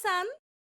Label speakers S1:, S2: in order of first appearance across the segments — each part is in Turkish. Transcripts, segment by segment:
S1: sen.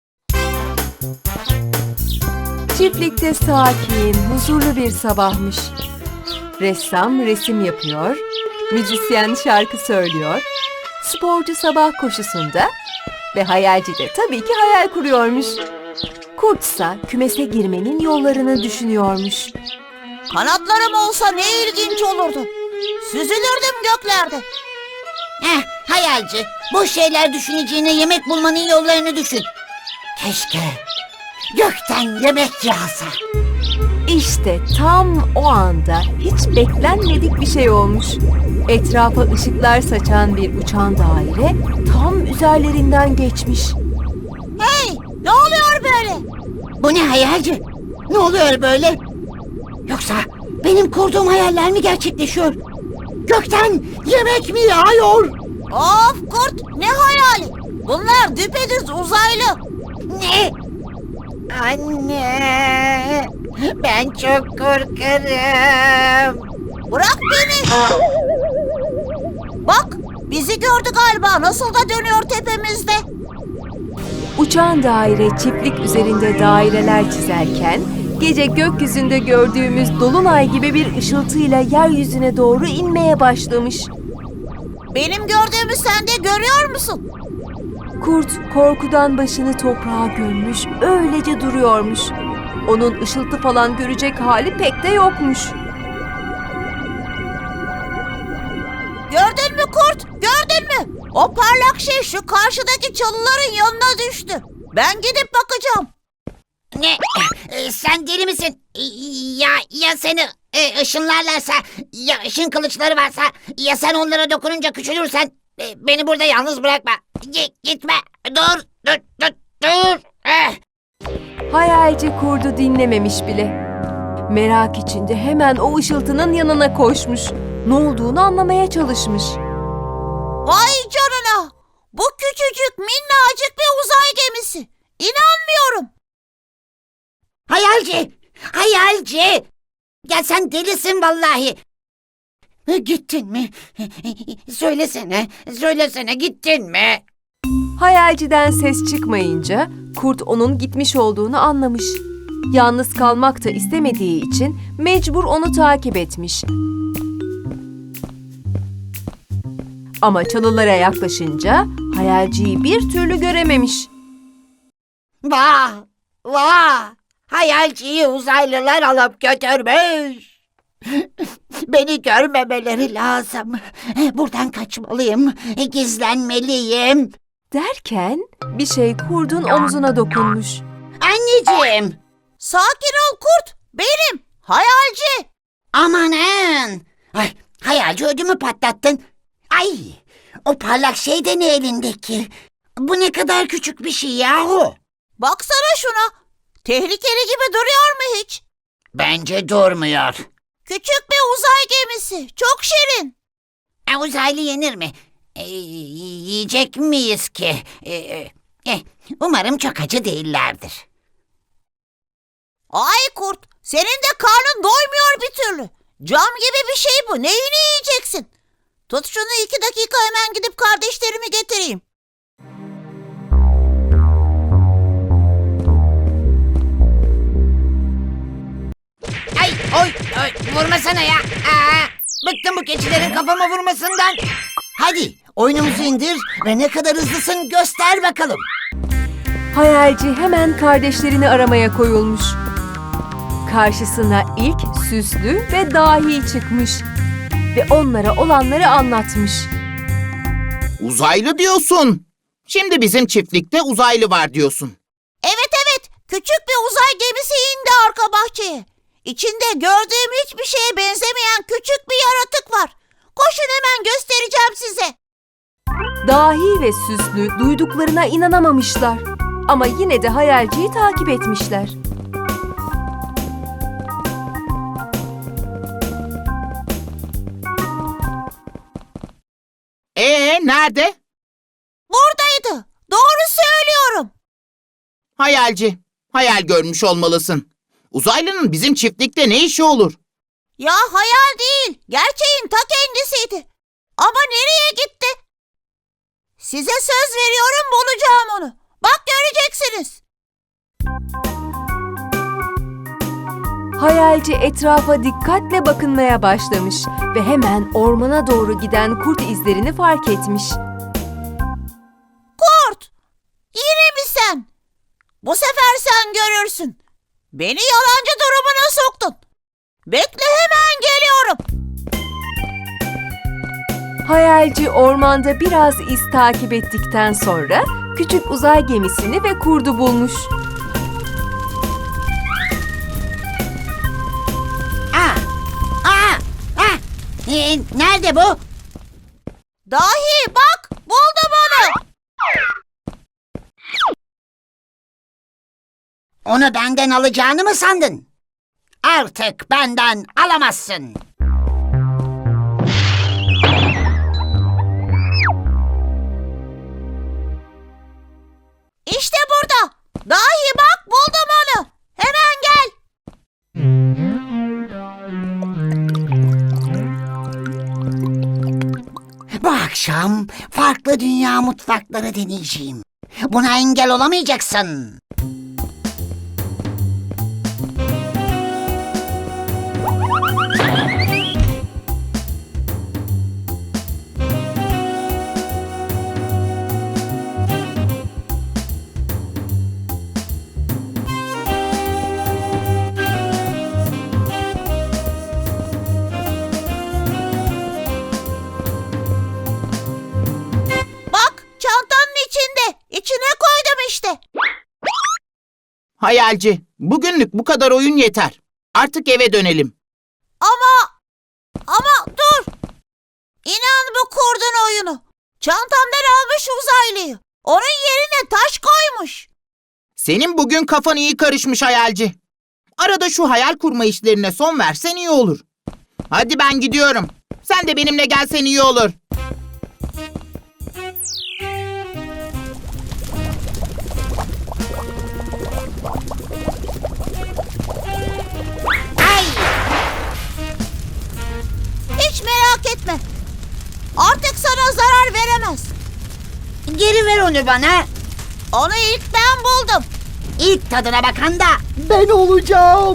S2: Çiftlikte sakin, huzurlu bir sabahmış. Ressam resim yapıyor, müzisyen şarkı söylüyor, sporcu sabah koşusunda ve hayalci de tabii ki hayal kuruyormuş. Kurtsa kümese girmenin yollarını düşünüyormuş.
S3: Kanatlarım olsa ne ilginç olurdu. Süzülürdüm göklerde.
S4: Hayalci, boş şeyler düşüneceğine yemek bulmanın yollarını düşün. Keşke gökten yemek yağsa.
S2: İşte tam o anda hiç beklenmedik bir şey olmuş. Etrafa ışıklar saçan bir uçan daire tam üzerlerinden geçmiş.
S3: Hey, ne oluyor böyle?
S4: Bu ne hayalci? Ne oluyor böyle? Yoksa benim kurduğum hayaller mi gerçekleşiyor? Gökten yemek mi yağıyor?
S3: Of kurt, ne hayali? Bunlar düpedüz uzaylı.
S4: Ne? Anne, ben çok korkarım.
S3: Bırak beni. Bak, bizi gördü galiba. Nasıl da dönüyor tepemizde.
S2: Uçan daire çiftlik üzerinde daireler çizerken gece gökyüzünde gördüğümüz dolunay gibi bir ışıltıyla yeryüzüne doğru inmeye başlamış.
S3: Benim gördüğümü sen de görüyor musun?
S2: Kurt korkudan başını toprağa gömmüş, öylece duruyormuş. Onun ışıltı falan görecek hali pek de yokmuş.
S3: Gördün mü kurt? Gördün mü? O parlak şey şu karşıdaki çalıların yanına düştü. Ben gidip bakacağım.
S4: Ne? Sen deli misin? Ya seni ışınlarlarsa, ya ışın kılıçları varsa, ya sen onlara dokununca küçülürsen, beni burada yalnız bırakma. Gitme. Dur.
S2: Hayalci kurdu dinlememiş bile. Merak içinde hemen o ışıltının yanına koşmuş. Ne olduğunu anlamaya çalışmış.
S3: Vay canına! Bu küçücük minnacık bir uzay gemisi. İnanmıyorum.
S4: Hayalci! Ya sen delisin vallahi. Gittin mi? Söylesene gittin mi?
S2: Hayalciden ses çıkmayınca kurt onun gitmiş olduğunu anlamış. Yalnız kalmak da istemediği için mecbur onu takip etmiş. Ama çalılara yaklaşınca hayalciyi bir türlü görememiş.
S4: Vah! Hayalciyi uzaylılar alıp götürmüş. Beni görmemeleri lazım. Buradan kaçmalıyım, gizlenmeliyim.
S2: Derken bir şey kurdun omzuna dokunmuş.
S4: Anneciğim!
S3: Sakin ol kurt. Benim. Hayalci.
S4: Amanın! Ay, hayalci ödümü patlattın. Ay! O parlak şey de ne elindeki? Bu ne kadar küçük bir şey yahu.
S3: Baksana şuna. Tehlikeli gibi duruyor mu hiç?
S4: Bence durmuyor.
S3: Küçük bir uzay gemisi. Çok şirin.
S4: Uzaylı yenir mi? Yiyecek miyiz ki? Umarım çok acı değillerdir.
S3: Ay kurt. Senin de karnın doymuyor bir türlü. Cam gibi bir şey bu. Neyini yiyeceksin? Tut şunu 2 dakika, hemen gidip kardeşlerimi getireyim.
S4: Oy, vurmasana ya. Bıktım bu keçilerin kafama vurmasından. Hadi oyunumuzu indir ve ne kadar hızlısın göster bakalım.
S2: Hayalci hemen kardeşlerini aramaya koyulmuş. Karşısına ilk süslü ve dahi çıkmış ve onlara olanları anlatmış.
S5: Uzaylı diyorsun. Şimdi bizim çiftlikte uzaylı var diyorsun.
S3: Evet. Küçük bir uzay gemisi indi arka bahçeye. İçinde gördüğüm hiçbir şeye benzemeyen küçük bir yaratık var. Koşun, hemen göstereceğim size.
S2: Dahi ve süslü duyduklarına inanamamışlar. Ama yine de hayalciyi takip etmişler.
S5: Nerede?
S3: Buradaydı. Doğru söylüyorum.
S5: Hayalci. Hayal görmüş olmalısın. Uzaylının bizim çiftlikte ne işi olur?
S3: Ya hayal değil, gerçeğin ta kendisiydi. Ama nereye gitti? Size söz veriyorum, bulacağım onu. Bak göreceksiniz.
S2: Hayalci etrafa dikkatle bakınmaya başlamış ve hemen ormana doğru giden kurt izlerini fark etmiş.
S3: Kurt! Yine mi sen? Bu sefer sen görürsün. Beni yalancı durumuna soktun. Bekle, hemen geliyorum.
S2: Hayalci ormanda biraz iz takip ettikten sonra küçük uzay gemisini ve kurdu bulmuş.
S4: Nerede bu?
S3: Dahi bak, buldum onu.
S4: Onu benden alacağını mı sandın? Artık benden alamazsın.
S3: İşte burada. Dahi bak, buldum onu. Hemen gel.
S4: Bu akşam farklı dünya mutfakları deneyeceğim. Buna engel olamayacaksın.
S3: Bak, çantanın içinde. İçine koydum işte.
S5: Hayalci, bugünlük bu kadar oyun yeter. Artık eve dönelim.
S3: Ama dur. İnan bu kurdun oyunu. Çantamdan almış uzaylıyı. Onun yerine taş koymuş.
S5: Senin bugün kafan iyi karışmış hayalci. Arada şu hayal kurma işlerine son versen iyi olur. Hadi ben gidiyorum. Sen de benimle gelsen iyi olur.
S4: Ay!
S3: Hiç merak etme. Artık sana zarar veremez.
S4: Geri ver onu bana.
S3: Onu ilk ben buldum.
S4: İlk tadına bakan da
S5: Ben olacağım.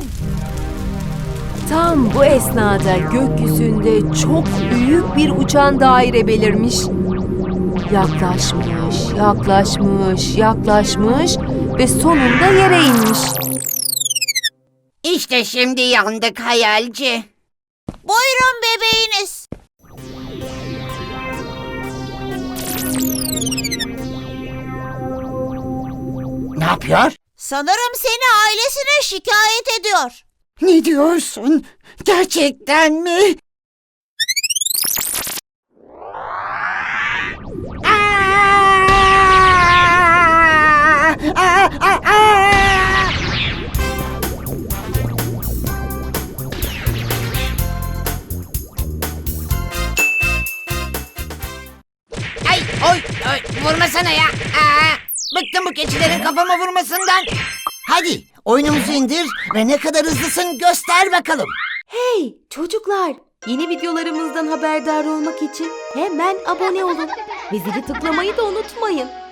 S2: Tam bu esnada gökyüzünde çok büyük bir uçan daire belirmiş. Yaklaşmış, yaklaşmış, yaklaşmış ve sonunda yere inmiş.
S4: İşte şimdi yandık hayalci.
S3: Buyurun bebeğiniz.
S4: Ne yapıyor?
S3: Sanırım seni ailesine şikayet ediyor.
S4: Ne diyorsun? Gerçekten mi? Ay, oy, vurmasana ya. Bıktım bu keçilerin kafama vurmasından. Hadi oyunumuzu indir ve ne kadar hızlısın göster bakalım.
S2: Hey çocuklar! Yeni videolarımızdan haberdar olmak için hemen abone olun ve zili tıklamayı da unutmayın.